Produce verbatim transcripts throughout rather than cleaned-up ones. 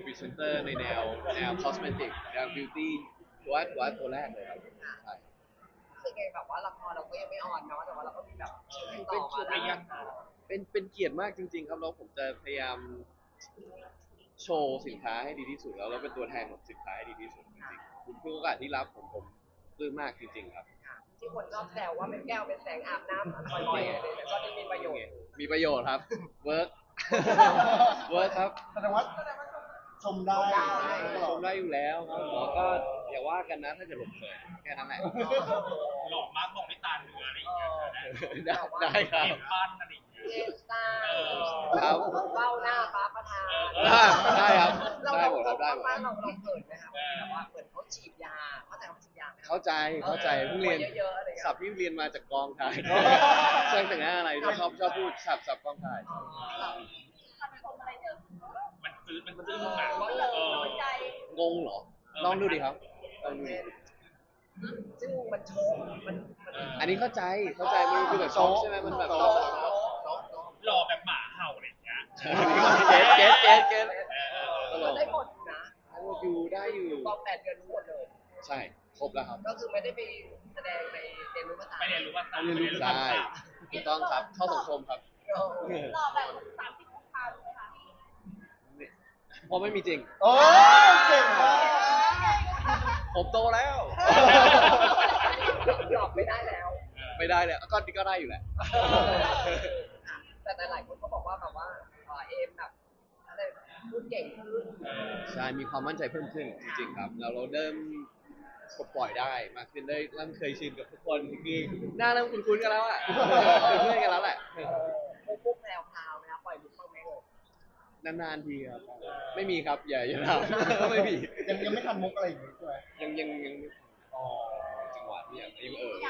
รีเซนเตอร์ในแนวแนวคอสเมติกแนวบิวตี้ตัวตัวตัวแรกเลยครับใช่คือไงแบบว่าละครเราก็ยังไม่ออนเนาะแต่ว่าเราก็มีแบบชื่อติดต่เป็อมาแล้วเป็นเป็นเกียรติมากจริงๆครับแล้วผมจะพยายามโชว์สินค้าให้ดีที่สุดแล้วเราเป็นตัวแทนของสินค้าให้ดีที่สุดจริงๆทุกโอกาสที่รับผมผมปลื้มมากจริงๆครับที่คนชอบแซวว่าเป็นแก้วเป็นแสงอาบน้ำบ่อยๆอะไรแต่ก็จะมีประโยชน์มีประโยชน์ครับเวิร์กเวิร์กครับแสดงว่าชมได้ชมได้อยู่แล้วครับหมอก็อย่าว่ากันนะถ้าเกิดผมเขินแค่นั้นแหละหล่อมากบอกไม่ตาเนื้ออะไรอย่างเงี้ยได้ได้ครับเห็นบ้านอะไรอย่างเงี้ยเอสตาครับเบ้าหน้าฟ้าประธานได้ครับเราได้หมดครับได้หมดเราเราเขินไหมครับแบบว่าเหมือนเขาฉีดยาเขาแต่เขาฉีดยาเข้าใจเข้าใจเพิ่งเรียนศัพท์ที่เรียนมาจากกองถ่ายช่างแต่งหน้าอะไรชอบชอบพูดศัพท์ศัพท์กองถ่ายมันซื้อมันซื้อมาเอองงเหรอลองดูดิครับลองดูดิซึ่งมันโชว์มันอันนี้เข้าใจเข้าใจมันคือแบบช็อกใช่ไหมมันแบบหล่อแบบหมาเห่าอะไรอย่างเงี้ยเก็ตเก็ตเก็ตเก็ตได้หมดนะอยู่ได้อยู่กองแปดเดือนรู้หมดเลยใช่ครบแล้วครับก็คือไม่ได้ไปแสดงในเรียนรู้ภาษาไม่เรียนรู้ภาษาเรียนรู้ภาษาถูกต้องครับเข้าสังคมครับหล่อแบบสามสิบองศาเลยไหมคะพอไม่มีจริงโอ้เก่งมากผมโตแล้วหลอกไม่ได้แล้วไม่ได้เลยก็ก็ได้อยู่แหละแต่หลายคนก็บอกว่าแบบว่าเอมแบบอะไรพูดเก่งขึ้นใช่มีความมั่นใจเพิ่มขึ้นจริงๆครับแล้วเราเริ่มปลดปล่อยได้มากขึ้นได้เริ่มเคยชินกับทุกคนคือหน้าเริ่มคุ้นๆกันแล้วอ่ะเป็นเพื่อนกันแล้วแหละพวกแพรวพราวนะปล่อยมุกบ้างไหมเออนานๆทีครับไม่มีครับอย่าอย่าทำไม่มียังยังไม่ทันมุกอะไรอย่างงี้ใช่ไหมยังยังยังอ๋อจังหวะที่ยังยังเออ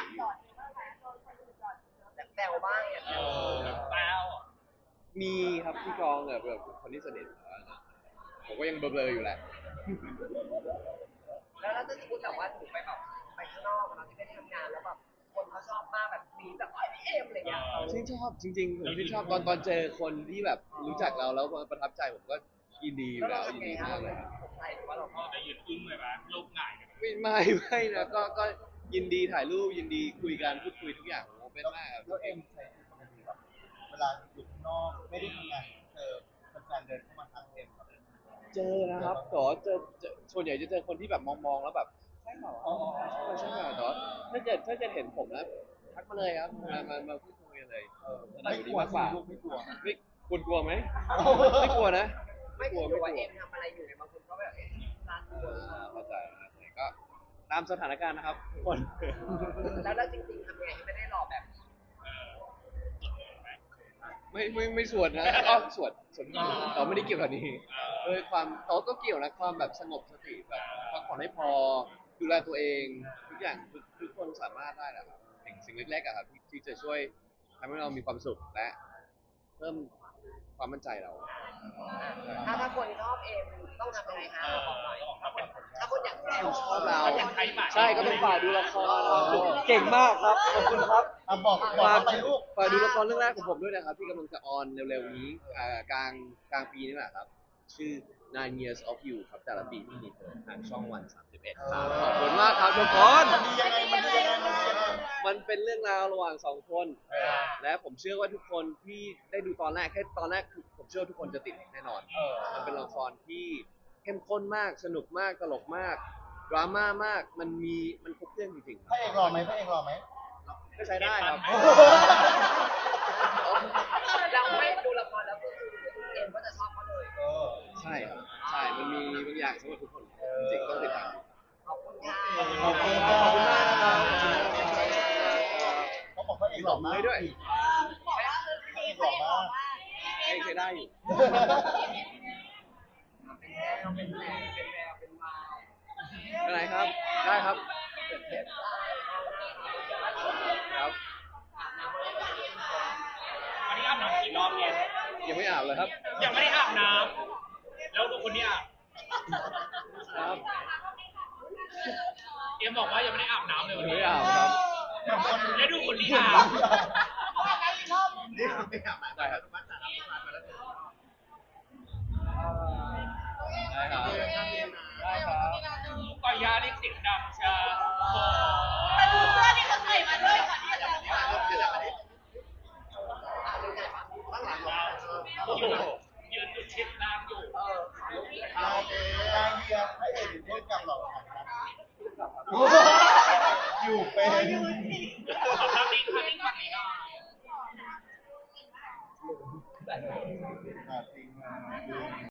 แซวบ้างอย่างเงี้ยแซวมีครับที่กองแบบแบบคนที่สนิทผมก็ยังเบลอๆอยู่แหละแล้วถ้าสมมติแบบว่าถูกไปแบบไปข้างนอกเราที่ไม่ได้ทำงานแล้วแบบคนเขาชอบมากแบบมีแบบไอ้พี่เอมอะไรเงี้ยชื่นชอบจริงๆผมชื่นชอบตอนตอนเจอคนที่แบบรู้จักเราแล้วประทับใจผมก็ยินดีอยู่แล้วยินดีมากเลยครับใช่หรือว่าเราก็จะยืนอึ้งเลยไหมโลกง่ายไม่ไม่ไม่นะก็ก็ยินดีถ่ายรูปยินดีคุยกันพูดคุยทุกอย่างโอ้เป็นมากครับแล้วเอ็มใช้ชีวิตปกติแบบเวลาอยู่ข้างนอกไม่ได้ทำงานเจอแฟนเดินเข้ามาทักเอ็มเจอนะครับแต่ว่าเจอส่วนใหญ่จะเจอคนที่แบบมองๆแล้วแบบใช่เหรอใช่เหรอแต่ว่าถ้าเกิดถ้าเกิดเห็นผมแล้วทักมาเลยครับมามามาพูดคุยกันเลยไม่กลัวไม่กลัวไม่กลัวกลัวไหมไม่กลัวนะไม่กลัวไม่กลัวเอ็มทำอะไรอยู่ในบางคนก็แบบเอ๊ะร้านตัวเข้าใจก็ตามสถานการณ์นะครับทุกคนแล้วแล้วจริงๆทำไงให้ไม่ได้หล่อแบบไม่ไม่ไม่สวดนะก็สวดสวดเราไม่ได้เกี่ยวกับนี้เออความเขาก็เกี่ยวนะความแบบสงบสติแบบพักผ่อนให้พอดูแลตัวเองทุกอย่างทุกคนสามารถได้แหละครับสิ่งสิ่งเล็กๆอะครับที่จะช่วยทำให้เรามีความสุขและเพิ่มความมั่นใจเราถ้าถ้าคนชอบเอ็มต้องทำยังไงคะบอกหน่อยถ้าคนอยากแซวชอบเราใช่ก็ต้องฝากดูละครเก่งมากครับขอบคุณครับบอกบอกไปลูกฝากดูละครเรื่องแรกของผมด้วยนะครับที่กำลังจะออนเร็วๆนี้กลางกลางปีนี่แหละครับชื่อ nine years of you ครับแต่ละปีที่มีเธอทางช่องวันสามสิบเอ็ดครับขอบคุณมากครับทุกคนมันดียังไงมันดียังไงมันเป็นเรื่องราวระหว่างสองคนและผมเชื่อว่าทุกคนที่ได้ดูตอนแรกแค่ตอนแรกผมเชื่อทุกคนจะติดแน่นอนมันเป็นละครที่เข้มข้นมากสนุกมากตลกมากดราม่ามากมันมีมันครบเครื่องจริงๆพระเอกหล่อไหมพระเอกหล่อไหมก็ใช้ได้ครับเราไม่ดูละครแล้วก็คือเอ็มก็จะชอบเขาเลยใช่ครับใช่มันมีบางอย่างสำหรับทุกคนจริงต้องติดตามขอบคุณค่ะขอบคุณมากเขาบอกพระเอกหล่อมากด้วยพระเอกหล่อมากเองใช้ได้อยู่เป็นแมวเป็นแมวเป็นแมวเป็นวาวอะไรครับได้ครับครับวันนี้อาบน้ำกี่รอบเนี่ยยังไม่อาบเลยครับยังไม่ได้อาบน้ำแล้วดูคนนี้อาบครับเอ็มบอกว่ายังไม่ได้อาบน้ำเลยวันนี้ไม่อาบครับแล้วดูคนนี้อาบนี่ไม่อาบได้ครับได้ได้ครับได้ครับก่อนยาเรียกเสียงดังชาโอ้แต่ดูเสื้อที่เขาใส่มาด้วยก่อนที่จะทำข่าวอยู่ยืนจุดชิดล่างอยู่เออนายนายเฮียพระเอกพูดกับหรอกอยู่เป็นขอภาพนี้ภาพนี้ฝั่งนี้หน่อยจริงมา